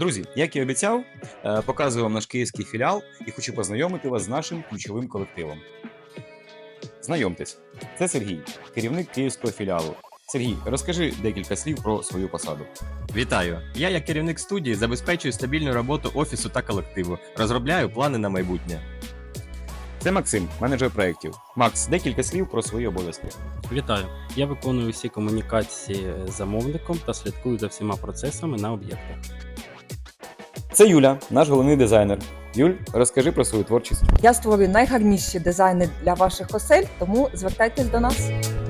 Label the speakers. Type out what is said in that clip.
Speaker 1: Друзі, як і обіцяв, показую вам наш київський філіал і хочу познайомити вас з нашим ключовим колективом. Знайомтесь, це Сергій, керівник київського філіалу. Сергій, розкажи декілька слів про свою посаду.
Speaker 2: Вітаю! Я, як керівник студії, забезпечую стабільну роботу офісу та колективу, розробляю плани на майбутнє.
Speaker 1: Це Максим, менеджер проєктів. Макс, декілька слів про свої обов'язки.
Speaker 3: Вітаю! Я виконую всі комунікації з замовником та слідкую за всіма процесами на об'єктах.
Speaker 1: Це Юля, наш головний дизайнер. Юль, розкажи про свою творчість.
Speaker 4: Я створюю найгарніші дизайни для ваших осель, тому звертайтесь до нас.